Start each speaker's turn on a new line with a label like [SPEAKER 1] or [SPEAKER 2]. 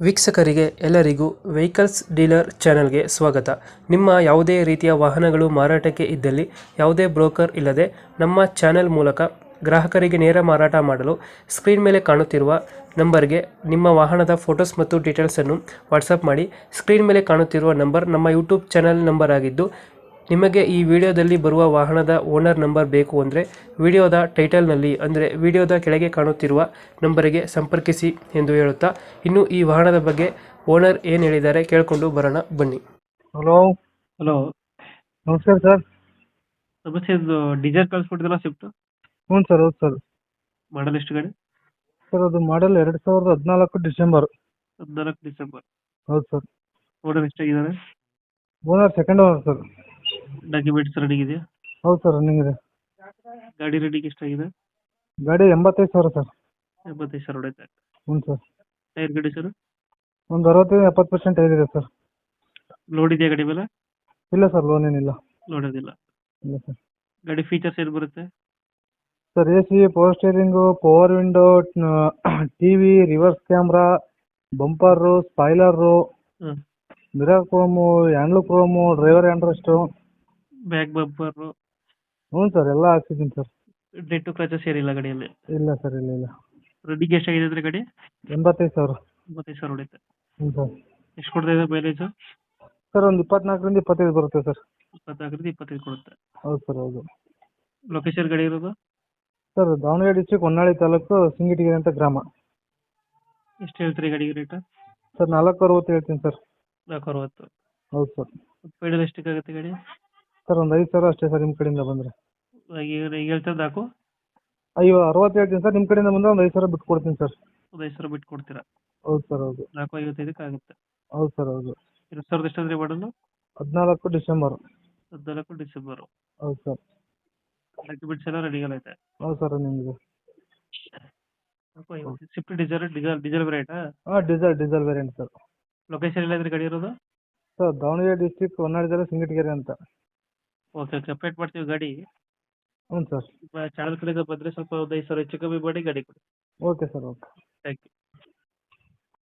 [SPEAKER 1] ವೀಕ್ಷಕರಿಗೆ ಎಲ್ಲರಿಗೂ vehicles dealer ಚಾನೆಲ್ಗೆ ಸ್ವಾಗತ. ನಿಮ್ಮ ಯಾವುದೇ ರೀತಿಯ ವಾಹನಗಳು ಮಾರಾಟಕ್ಕೆ ಇದ್ದಲ್ಲಿ ಯಾವುದೇ ಬ್ರೋಕರ್ ಇಲ್ಲದೆ ನಮ್ಮ ಚಾನೆಲ್ ಮೂಲಕ ಗ್ರಾಹಕರಿಗೆ ನೇರ ಮಾರಾಟ ಮಾಡಲು ಸ್ಕ್ರೀನ್ ಮೇಲೆ ಕಾಣುತ್ತಿರುವ ನಂಬರ್ಗೆ ನಿಮ್ಮ ವಾಹನದ ಫೋಟೋಸ್ ಮತ್ತು ಡೀಟೇಲ್ಸನ್ನು ವಾಟ್ಸಪ್ ಮಾಡಿ. ಸ್ಕ್ರೀನ್ ಮೇಲೆ ಕಾಣುತ್ತಿರುವ ನಂಬರ್ ನಮ್ಮ ಯೂಟ್ಯೂಬ್ ಚಾನೆಲ್ ನಂಬರ್ ಆಗಿದ್ದು, ನಿಮಗೆ ಈ ವಿಡಿಯೋದಲ್ಲಿ ಬರುವ ವಾಹನದ ಓನರ್ ನಂಬರ್ ಬೇಕು ಅಂದರೆ ವಿಡಿಯೋದ ಟೈಟಲ್ನಲ್ಲಿ ಅಂದರೆ ವಿಡಿಯೋದ ಕೆಳಗೆ ಕಾಣುತ್ತಿರುವ ನಂಬರಿಗೆ ಸಂಪರ್ಕಿಸಿ ಎಂದು ಹೇಳುತ್ತಾ, ಇನ್ನು ಈ ವಾಹನದ ಬಗ್ಗೆ ಓನರ್ ಏನು ಹೇಳಿದ್ದಾರೆ ಕೇಳಿಕೊಂಡು ಬರೋಣ ಬನ್ನಿ.
[SPEAKER 2] ಹಲೋ.
[SPEAKER 1] ಹಲೋ,
[SPEAKER 2] ನಮಸ್ಕಾರ ಸರ್.
[SPEAKER 1] ಸಮಸ್ಯೆ ಇದು ಡೀಸೆಲ್ ಕಳಿಸ್ಬಿಟ್ಟಿದ್ರಲ್ಲ ಸ್ವಿಫ್ಟ್,
[SPEAKER 2] ಹ್ಞೂ ಸರ್, ಹೌದು ಸರ್.
[SPEAKER 1] ಮಾಡಲ್ ಎಷ್ಟು ಗಾಡಿ?
[SPEAKER 2] ಸರ್ ಅದು ಮಾಡೆಲ್ 2014 ಡಿಸೆಂಬರ್.
[SPEAKER 1] 14 ಡಿಸೆಂಬರ್.
[SPEAKER 2] ಹೌದು ಸರ್.
[SPEAKER 1] ಓನರ್ ಎಷ್ಟಾಗಿದ್ದಾರೆ?
[SPEAKER 2] Owner second owner sir.
[SPEAKER 1] Documents ready ಇದೆಯಾ?
[SPEAKER 2] ಹೌದು ಸರ್, ರನ್ನಿಂಗ್ ಇದೆ.
[SPEAKER 1] ಗಾಡಿ ರೆಡಿಗೆ ಎಷ್ಟಾಗಿದೆ?
[SPEAKER 2] ಗಾಡಿ 85,000 ಸರ್.
[SPEAKER 1] 85,000 ಹೊಡೆಯುತ್ತೆ.
[SPEAKER 2] ಹ್ಞೂ ಸರ್.
[SPEAKER 1] ಟೈರ್ ಗಾಡಿ ಸರ್
[SPEAKER 2] ಒಂದು 65-70% ಏರಿದೆ ಸರ್.
[SPEAKER 1] ಲೋಡ್ ಇದೆಯಾ ಗಾಡಿ ಮೇಲೆ?
[SPEAKER 2] ಇಲ್ಲ ಸರ್, ಲೋನ್ ಏನಿಲ್ಲ.
[SPEAKER 1] ಲೋಡ್ ಅದಿಲ್ಲ.
[SPEAKER 2] ಇಲ್ಲ ಸರ್.
[SPEAKER 1] ಗಾಡಿ ಫೀಚರ್ಸ್ ಏನು ಬರುತ್ತೆ?
[SPEAKER 2] Sir A C, power steering, power window, T V, reverse camera, bumper, spoiler,
[SPEAKER 1] ಹಾಂ,
[SPEAKER 2] mirror chrome, handle chrome, driver handrest.
[SPEAKER 1] Back bumper,
[SPEAKER 2] ಹ್ಞೂ ಸರ್, ಎಲ್ಲ ಹಾಕ್ಸಿದ್ದೀನಿ ಸರ್.
[SPEAKER 1] ಡೆಂಟು ಕ್ರಚಸ್ ಏನಿಲ್ಲ ಗಾಡಿಯಲ್ಲಿ?
[SPEAKER 2] ಇಲ್ಲ ಸರ್, ಇಲ್ಲ ಇಲ್ಲ.
[SPEAKER 1] ರನ್ನಿಂಗ್ ಎಷ್ಟಾಗಿದೆ ಅಂದರೆ ಗಾಡಿ?
[SPEAKER 2] 85,000.
[SPEAKER 1] 85,000 ಹೊಡೆಯುತ್ತೆ.
[SPEAKER 2] ಹ್ಞೂ ಸರ್.
[SPEAKER 1] ಎಷ್ಟು ಕೊಡ್ತಾ ಇದೆ ಮೈಲೇಜು?
[SPEAKER 2] ಸರ್ ಒಂದು 24-25 ಬರುತ್ತೆ ಸರ್.
[SPEAKER 1] 24-25 ಕೊಡುತ್ತೆ.
[SPEAKER 2] ಹೌದು ಸರ್, ಹೌದು.
[SPEAKER 1] ಲೊಕೇಶನ್ ಗಾಡಿ ಇರೋದು?
[SPEAKER 2] ಸರ್ ದಾವಣಗೆರೆ ಡಿಸ್ಟ್ರಿಕ್ಟ್ ಹೊನ್ನಾಳಿ ತಾಲೂಕು ಸಿಂಗಟಿಗೆರೆ ಅಂತ ಗ್ರಾಮ.
[SPEAKER 1] ಎಷ್ಟು ಹೇಳ್ತೀರಿ ಗಾಡಿಗೆ ರೇಟ್?
[SPEAKER 2] ಸರ್ 460 ಹೇಳ್ತೀನಿ ಸರ್.
[SPEAKER 1] 460.
[SPEAKER 2] ಹೌದು ಸರ್.
[SPEAKER 1] ಫೈನಲ್ ಎಷ್ಟಕ್ಕಾಗುತ್ತೆ ಗಾಡಿ?
[SPEAKER 2] ಸರ್ ಒಂದು 5,000 ಅಷ್ಟೇ ಸರ್, ನಿಮ್ಮ ಕಡೆಯಿಂದ ಬಂದರೆ.
[SPEAKER 1] ಈಗ ಹೇಳ್ತಾರೆ ನಾಲ್ಕು
[SPEAKER 2] 60 ಹೇಳ್ತೀನಿ ಸರ್, ನಿಮ್ಮ ಕಡೆಯಿಂದ ಬಂದರೆ ಒಂದು 5,000 ಬಿಟ್ಟು ಕೊಡ್ತೀನಿ ಸರ್.
[SPEAKER 1] ಒಂದು 5,000 ಬಿಟ್ಟು ಕೊಡ್ತೀರಾ?
[SPEAKER 2] ಹೌದು ಸರ್, ಹೌದು.
[SPEAKER 1] 455 ಆಗುತ್ತೆ.
[SPEAKER 2] ಹೌದು ಸರ್, ಹೌದು.
[SPEAKER 1] 2000 ಎಷ್ಟಂದ್ರೆ ಮಾಡಲು?
[SPEAKER 2] 14 ಡಿಸೆಂಬರ್.
[SPEAKER 1] 14 ಡಿಸೆಂಬರು.
[SPEAKER 2] ಹೌದು ಸರ್.
[SPEAKER 1] ಡಾಕ್ಯುಮೆಂಟ್ಸ್ ಎಲ್ಲ ರೆಡಿ ಆಗೈತೆ?
[SPEAKER 2] ಹೌದು ಸರ್, ನಿಮಗೆ.
[SPEAKER 1] ಸ್ವಿಫ್ಟ್ ಡೀಸೆಲ್ ರೇಟಾ?
[SPEAKER 2] ಹಾಂ, ಡೀಸೆಲ್ ವೇರಿಯಂಟ್ ಸರ್.
[SPEAKER 1] ಲೊಕೇಶನ್ ಎಲ್ಲಾದ್ರೆ ಗಾಡಿ ಇರೋದು?
[SPEAKER 2] ಸರ್ ದಾವಣಗೆರೆ ಡಿಸ್ಟ್ರಿಕ್ಟ್ ಹೊನ್ನಾಳಿ ತಾಲೂಕು ಸಿಂಗಟಿಗೆರೆ ಅಂತ.
[SPEAKER 1] ಓಕೆ ಓಕೆ, ಅಪ್ಡೇಟ್ ಮಾಡ್ತೀವಿ ಗಾಡಿ.
[SPEAKER 2] ಹ್ಞೂ ಸರ್.
[SPEAKER 1] ಚಾನಲ್ ಕಡೆಯಿಂದ ಬಂದರೆ ಸ್ವಲ್ಪ ಒಂದು 5,000 ಹೆಚ್ಚು ಕಮ್ಮಿ ಮಾಡಿ ಗಾಡಿ ಕೊಡಿ.
[SPEAKER 2] Okay sir, okay.
[SPEAKER 1] Thank you.